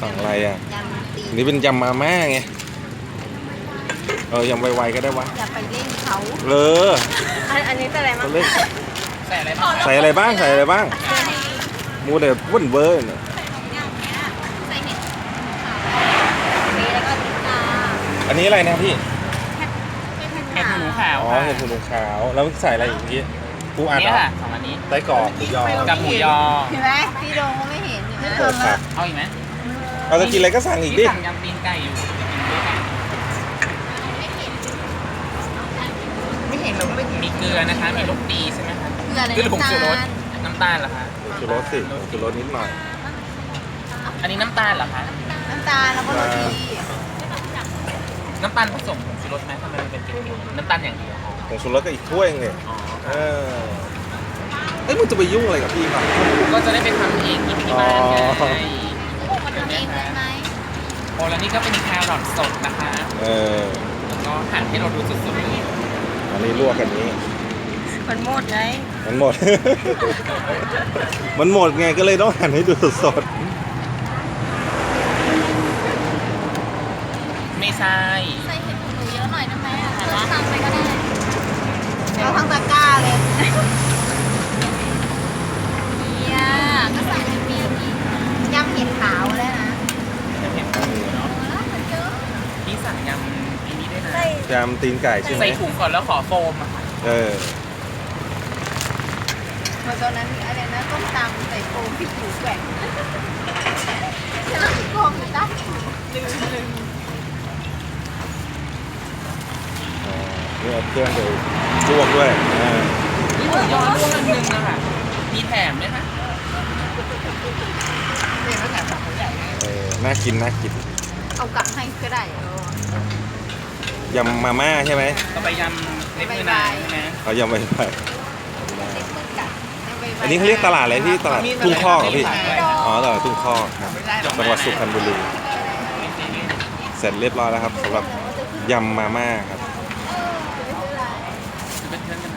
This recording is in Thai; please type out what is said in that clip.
สั่งอะไรอ่ะยำตีอันนี้เป็นยำมาม่าไงยำไวๆก็ได้วะอย่าไปเล่นเขา อันนี้เป็นอะไรมั้งเล่นใส่อะไรบ้างใส่อะไรบ้างใส่อะไรบ้างมูเดบวุ่นเวอร์เนี่ยใส่เห็ดแล้วก็ติดาอันนี้อะไรนะพี่เห็ดหูหนูขาวอ๋อเห็ดหูหนูขาวแล้วใส่อะไรอีกเมื่อกี้ปูอัดนี่เหรอค่ะ2อันนี้ไส้กรอกหมูยอกับหมูยอเห็นไหมพี่โดงก็ไม่เห็นอยู่เปิดครับเอาอีกไหมเราจะกินอะไรก็สั่งอีกดิที่สั่งยำตีนไก่อยู่จะกินด้วยกันไม่เห็นเราก็ไม่เห็นมีเกลือนะคะ มีลูกปีใช่ไหมคะเกลืออะไรเกลือผงน้ำชูรตาสลน้ำตาลเหรอคะชูรสสิชูรสนิดหน่อยอันนี้น้ำตาลเหรอคะน้ำตาลแล้วก็โรตีน้ำตาลผสมผงชูรสไหมทำไมมันเป็นเกลือน้ำตาลอย่างเดียวผงชูรสก็อีกถ้วยนึงเลยอ๋อเอ้ยมึงจะไปยุ่งอะไรกับพี่ครับก็จะได้ไปทำเองกินที่บ้านไงอ๋อมันทำเองได้ไหมโอ้แล้วนี่ก็เป็นแครอทสดนะคะ แล้วก็หั่นให้เราดูสดๆเลยอันนี้ลวกกันนี้มันหมดไงมันหมด มันหมดไงก็เลยต้องหั่นให้ดูสดไม่ใช่ใส่เห็ดหูหนูเยอะหน่อยได้ไหมอ่ะเราสั่งไปก็ได้เอาทั้งตะกร้าเลยเนี่ยก็ใส่ในปีนี้ยำเห็ดขาวแล้วนะจะเห็นเนาะพี่สั่งยำอันนี้ด้วยนะๆยำตีนไก่ใช่ไหมใส่ถุงก่อนแล้วขอโฟมอะค่ะเออเมื่อตอนนั้นอะไรนะต้มตำใส่โฟมพริกหมูแกว่งจะมีโฟมอยู่ใต้ลืมนี่เอาเครื่องไปลวกด้วยานี่หมูยอร่วงอันนึงนะคะมีแถมไหมคะเนี่ยแล้วแถมของใหญ่น่ากินน่ากินเอากลับให้ก็ได้ยำมาม่าใช่ไหมก็ไปยำเล็กมือนายใช่ไหมเอายำไปไปเล็กมือกัดอันนี้เขาเรียกตลาดอะไรที่ตลาดทุ่งข้อกเหรอพี่อ๋อตลาดทุ่งข้อกครับจังหวัดสุพรรณบุรีเสร็จเรียบร้อยแล้วครับสำหรับยำมาม่าครับ